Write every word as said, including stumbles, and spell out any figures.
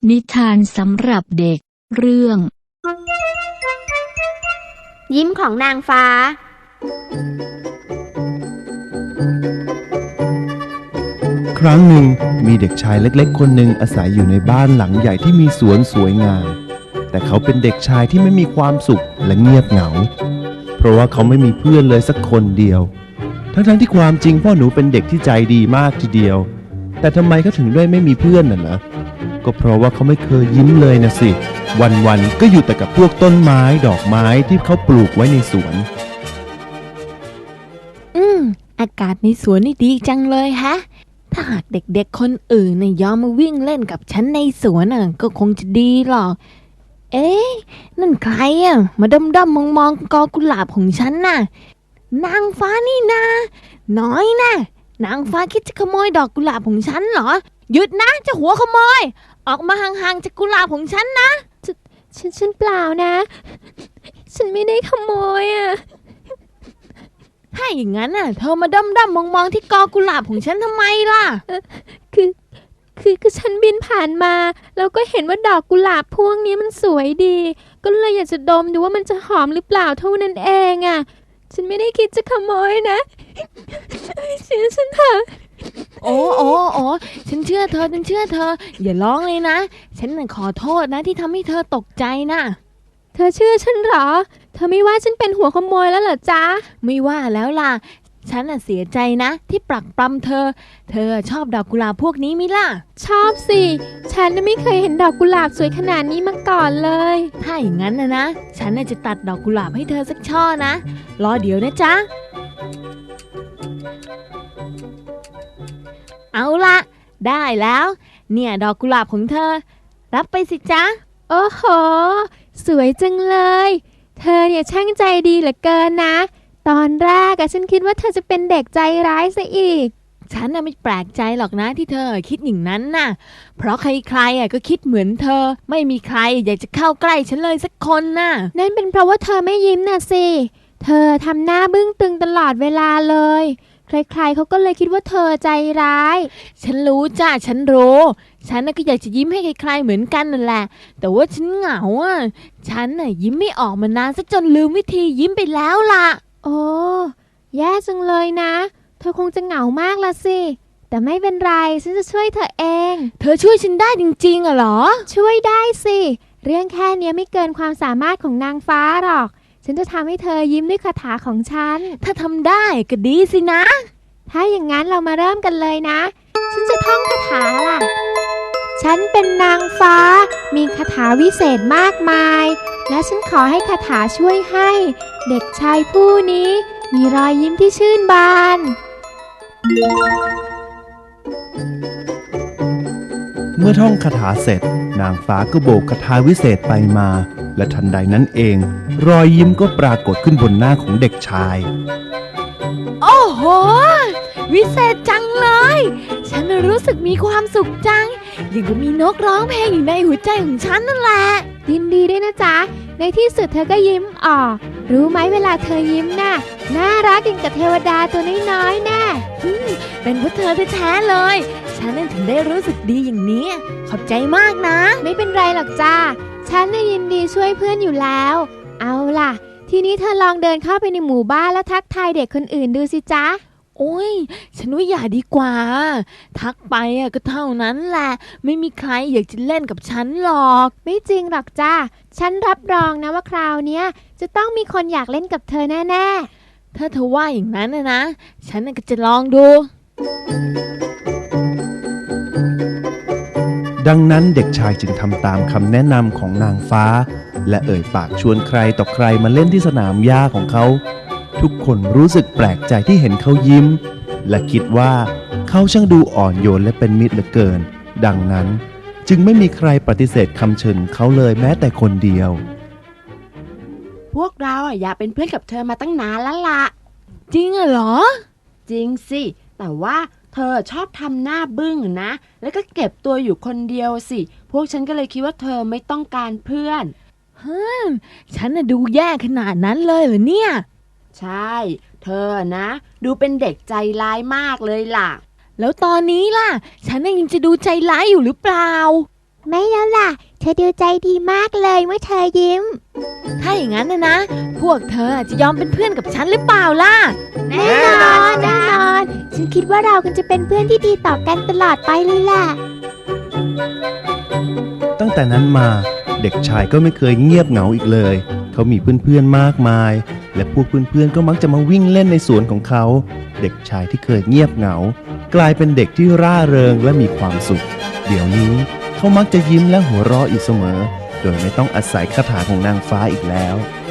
นิทานสำหรับเด็กเรื่องยิ้มของนางฟ้าครั้งหนึ่งมีเด็กชายเล็กๆคนหนึ่งอาศัยอยู่ในบ้านหลังใหญ่ที่มีสวนสวยงามแต่เขาเป็นเด็กชายที่ไม่มีความสุขและเงียบเหงาเพราะว่าเขาไม่มีเพื่อนเลยสักคนเดียวทั้งๆที่ความจริงพ่อหนูเป็นเด็กที่ใจดีมากทีเดียวแต่ทำไมเขาถึงได้ไม่มีเพื่อนน่ะนะก็เพราะว่าเขาไม่เคยยิ้มเลยนะสิวันๆก็อยู่แต่กับพวกต้นไม้ดอกไม้ที่เขาปลูกไว้ในสวนอืมอากาศในสวนนี่ดีจังเลยฮะถ้าหากเด็กๆคนอื่นเนี่ยยอมมาวิ่งเล่นกับฉันในสวนน่ะก็คงจะดีหรอกเอ๊ะนั่นใครอ่ะมาด้อมๆมองๆกอกุหลาบของฉันน่ะนางฟ้านี่นาน้อยนะนางฟ้าคิดจะขโมยดอกกุหลาบของฉันเหรอหยุดนะเจ้าหัวขโมยออกมาห่างๆจากกุหลาบของฉันนะฉันฉันเปล่านะฉันไม่ได้ขโมยอ่ะถ้าอย่างนั้นน่ะเธอมาด้อมๆมองๆที่กอกุหลาบของฉันทำไมล่ะคือคือคือฉันบินผ่านมาแล้วก็เห็นว่าดอกกุหลาบพวกนี้มันสวยดีก็เลยอยากจะดมดูว่ามันจะหอมหรือเปล่าเท่านั้นเองอ่ะฉันไม่ได้คิดจะขโมยนะเชื่อฉันเถอะโอ้โอ้โอ้ฉันเชื่อเธอฉันเชื่อเธออย่าร้องเลยนะฉันน่ะขอโทษนะที่ทำให้เธอตกใจนะเธอเชื่อฉันเหรอเธอไม่ว่าฉันเป็นหัวขโมยแล้วเหรอจ๊ะไม่ว่าแล้วล่ะฉันน่ะเสียใจนะที่ปรักปรำเธอเธอชอบดอกกุหลาบพวกนี้มิล่ะชอบสิฉันน่ะไม่เคยเห็นดอกกุหลาบสวยขนาดนี้มาก่อนเลยถ้าอย่างนั้นนะนะฉันน่ะจะตัดดอกกุหลาบให้เธอสักช่อนะรอเดี๋ยวนะจ๊ะเอาละได้แล้วเนี่ยดอกกุหลาบของเธอรับไปสิจ๊ะโอ้โหสวยจังเลยเธอเนี่ยช่างใจดีเหลือเกินนะตอนแรกอะฉันคิดว่าเธอจะเป็นเด็กใจร้ายซะอีกฉันน่ะไม่แปลกใจหรอกนะที่เธอคิดอย่างนั้นน่ะเพราะใครๆอะก็คิดเหมือนเธอไม่มีใครอยากจะเข้าใกล้ฉันเลยสักคนน่ะนั่นเป็นเพราะว่าเธอไม่ยิ้มน่ะสิเธอทำหน้าบึ้งตึงตลอดเวลาเลยใครๆเขาก็เลยคิดว่าเธอใจร้ายฉันรู้จ้ะฉันรู้ฉันน่ะก็อยากจะยิ้มให้ใครๆเหมือนกันนั่นแหละแต่ว่าฉันเหงาอ่ะฉันน่ะยิ้มไม่ออกมานานซะจนลืมวิธียิ้มไปแล้วล่ะโอ้แย่จังเลยนะเธอคงจะเหงามากละสิแต่ไม่เป็นไรฉันจะช่วยเธอเองเธอช่วยฉันได้จริงๆอ่ะเหรอช่วยได้สิเรื่องแค่นี้ไม่เกินความสามารถของนางฟ้าหรอกฉันจะทำให้เธอยิ้มด้วยคาถาของฉันถ้าทำได้ก็ดีสินะถ้าอย่างนั้นเรามาเริ่มกันเลยนะฉันจะท่องคาถาล่ะฉันเป็นนางฟ้ามีคาถาวิเศษมากมายและฉันขอให้คาถาช่วยให้เด็กชายผู้นี้มีรอยยิ้มที่ชื่นบานเมื่อท่องคาถาเสร็จนางฟ้าก็โบกคาถาวิเศษไปมาและทันใดนั้นเองรอยยิ้มก็ปรากฏขึ้นบนหน้าของเด็กชายโอ้โหวิเศษจังเลยฉันรู้สึกมีความสุขจังอย่างกับมีนกร้องเพลงอยู่ในหัวใจของฉันนั่นแหละยินดีด้วยนะจ๊ะในที่สุดเธอก็ยิ้มออกรู้ไหมเวลาเธอยิ้มน่ะน่ารักอย่างกับเทวดาตัวน้อยๆแน่เป็นเพราะเธอแท้ๆเลยฉันนั่นถึงได้รู้สึกดีอย่างนี้ขอบใจมากนะไม่เป็นไรหรอกจ้าฉันน่ะยินดีช่วยเพื่อนอยู่แล้วเอาล่ะทีนี้เธอลองเดินเข้าไปในหมู่บ้านแล้วทักทายเด็กคนอื่นดูสิจ๊ะโอ้ยฉันว่าอย่าดีกว่าทักไปอ่ะก็เท่านั้นแหละไม่มีใครอยากจะเล่นกับฉันหรอกไม่จริงหรอกจ้าฉันรับรองนะว่าคราวนี้จะต้องมีคนอยากเล่นกับเธอแน่ๆถ้าเธอว่าอย่างนั้นนะนะฉันก็จะลองดูดังนั้นเด็กชายจึงทำตามคำแนะนำของนางฟ้าและเอ่ยปากชวนใครต่อใครมาเล่นที่สนามหญ้าของเขาทุกคนรู้สึกแปลกใจที่เห็นเขายิ้มและคิดว่าเขาช่างดูอ่อนโยนและเป็นมิตรเหลือเกินดังนั้นจึงไม่มีใครปฏิเสธคำเชิญเขาเลยแม้แต่คนเดียวพวกเราอยากเป็นเพื่อนกับเธอมาตั้งนานแล้วล่ะจริงเหรอจริงสิแต่ว่าเธอชอบทำหน้าบึ้งนะแล้วก็เก็บตัวอยู่คนเดียวสิพวกฉันก็เลยคิดว่าเธอไม่ต้องการเพื่อนฮึมฉันน่ะดูแย่ขนาดนั้นเลยเหรอเนี่ยใช่เธอนะดูเป็นเด็กใจร้ายมากเลยล่ะแล้วตอนนี้ล่ะฉันยังจะดูใจร้ายอยู่หรือเปล่าไม่แล้วล่ะ เธอดูใจดีมากเลยเมื่อเธอยิ้มถ้าอย่างนั้นนะนะ พวกเธอจะยอมเป็นเพื่อนกับฉันหรือเปล่าล่ะแน่นอนแน่นอน ฉันคิดว่าเรากันจะเป็นเพื่อนที่ดีต่อกันตลอดไปเลยล่ะตั้งแต่นั้นมาเด็กชายก็ไม่เคยเงียบเหงาอีกเลย เขามีเพื่อนๆมากมาย และพวกเพื่อนๆก็มักจะมาวิ่งเล่นในสวนของเขา เด็กชายที่เคยเงียบเหงา กลายเป็นเด็กที่ร่าเริงและมีความสุข เดี๋ยวนี้เขามักจะยิ้มและหัวเราะอยู่เสมอ โดยไม่ต้องอาศัยคาถาของนางฟ้าอีกแล้ว